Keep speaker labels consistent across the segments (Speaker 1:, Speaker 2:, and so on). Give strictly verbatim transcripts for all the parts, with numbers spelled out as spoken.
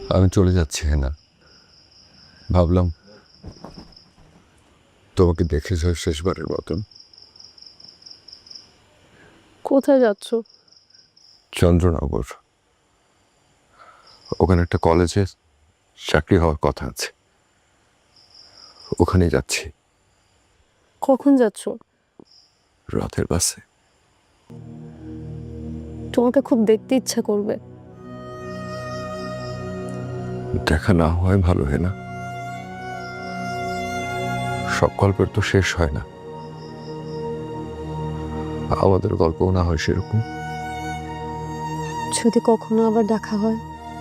Speaker 1: আমি চলে যাচ্ছি না, ভাবলাম তোমাকে দেখে যাই শেষবারের মতন।
Speaker 2: কোথায় যাচ্ছ?
Speaker 1: চন্দ্রনগর, ওখানে একটা কলেজে চাকরি হওয়ার কথা আছে, ওখানে যাচ্ছি।
Speaker 2: কখন যাচ্ছ?
Speaker 1: রাতের বাসে।
Speaker 2: তোমাকে খুব দেখতে ইচ্ছা করবে।
Speaker 1: দেখা না হয় ভালো হয় না, সব গল্পের তো শেষ হয় না, আমাদের গল্পও না হয় সেরকম।
Speaker 2: যদি কখনো আবার দেখা হয়?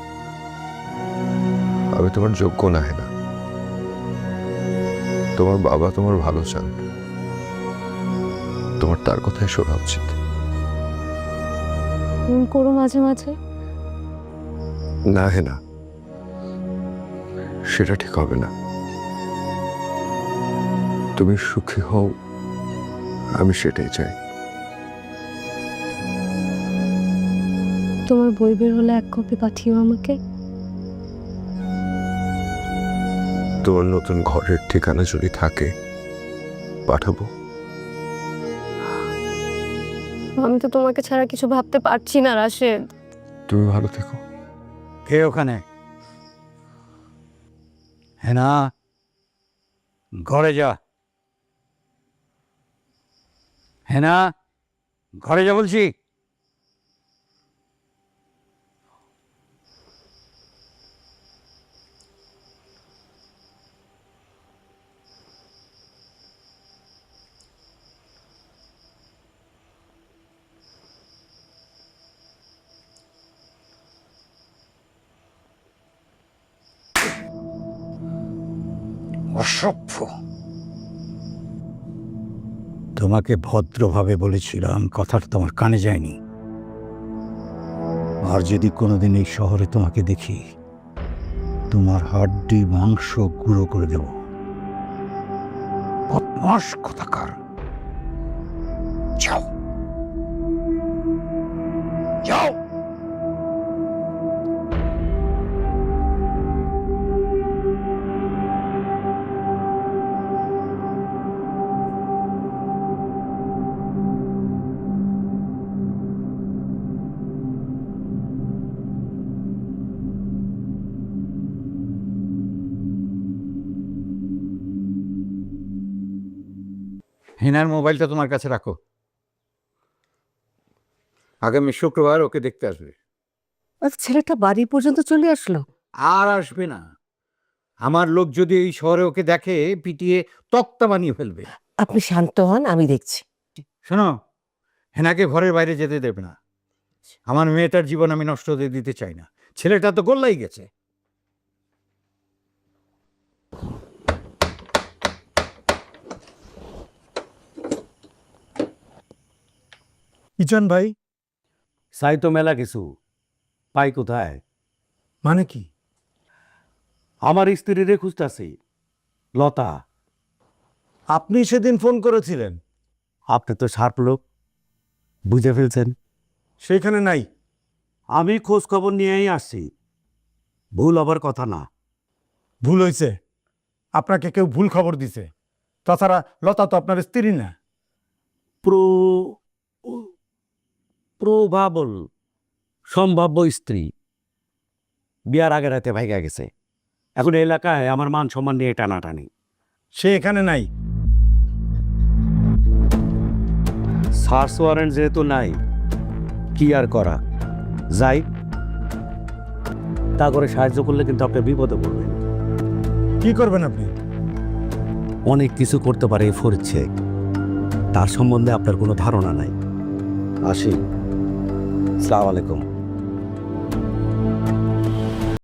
Speaker 1: আমি তোমার যোগ্য না হেনা, তোমার বাবা তোমার ভালো চান, তোমার তার কথাই শোনা উচিত।
Speaker 2: ফোন করো মাঝে মাঝে।
Speaker 1: না হেনা, সেটা ঠিক হবে না। তুমি সুখী হও, আমি সেটাই চাই।
Speaker 2: তোমার বই বের হলে এক কপি পাঠিও আমাকে।
Speaker 1: তোমার নতুন ঘরের ঠিকানা যদি থাকে পাঠাবো।
Speaker 2: আমি তো তোমাকে ছাড়া কিছু ভাবতে পারছি না রাশেদ।
Speaker 1: তুমি ভালো থেকো।
Speaker 3: কে ওখানে? হেনা, ঘরে যা। হেনা, ঘরে যা বলছি। অসভ্য। তোমাকে ভদ্রভাবে বলেছিলাম, কথাটা তোমার কানে যায়নি। আর যদি কোনোদিন এই শহরে তোমাকে দেখি, তোমার হাড্ডি মাংস গুঁড়ো করে দেব। বদমাশ কোথাকার। যাও যাও। হেনার মোবাইলটা তোমার কাছে রাখো। আগামী শুক্রবার ওকে দেখতে আসবে।
Speaker 4: ছেলেটা বাড়ি পর্যন্ত চলে আসলো?
Speaker 3: আর আসবে না। আমার লোক যদি এই শহরে ওকে দেখে, পিটিয়ে তক্তা বানিয়ে ফেলবে।
Speaker 4: আপনি শান্ত হন, আমি দেখছি।
Speaker 3: শোনো, হেনাকে ঘরের বাইরে যেতে দেবে না। আমার মেয়েটার জীবন আমি নষ্ট হতে দিতে চাই না। ছেলেটা তো গোল্লাই গেছে।
Speaker 5: ইজন ভাই,
Speaker 6: চাই তো মেলা কিছু, পাই কোথায়?
Speaker 5: মানে কি?
Speaker 6: আমার স্ত্রীরে খুঁজতেছি, লতা।
Speaker 5: আপনি সেদিন ফোন করেছিলেন,
Speaker 6: আপনি তো শার্প লোক, বুঝে ফেলছেন।
Speaker 5: সেখানে নাই।
Speaker 6: আমি খোঁজ খবর নিয়েই আসছি, ভুল হবার কথা না।
Speaker 5: ভুল হয়েছে, আপনাকে কেউ ভুল খবর দিছে। তাছাড়া লতা তো আপনার স্ত্রী না।
Speaker 6: প্রো প্রভাবল সম্ভাব্য স্ত্রী বিয়ার আগে রাতে ভাইগা গেছে। এখন এই এলাকায় আমার মান সম্মান নিয়ে টানাটানি।
Speaker 5: সে এখানে নাই।
Speaker 6: সার্চ ওয়ারেন্ট যেহেতু নাই, কি আর করা যাই। তা করে সাহায্য করলে কিন্তু আপনি বিপদে পড়বেন।
Speaker 5: কি করবেন আপনি?
Speaker 6: অনেক কিছু করতে পারে এই ফরিদ শেখ, তার সম্বন্ধে আপনার কোনো ধারণা নাই। আসি, আসসালামু আলাইকুম।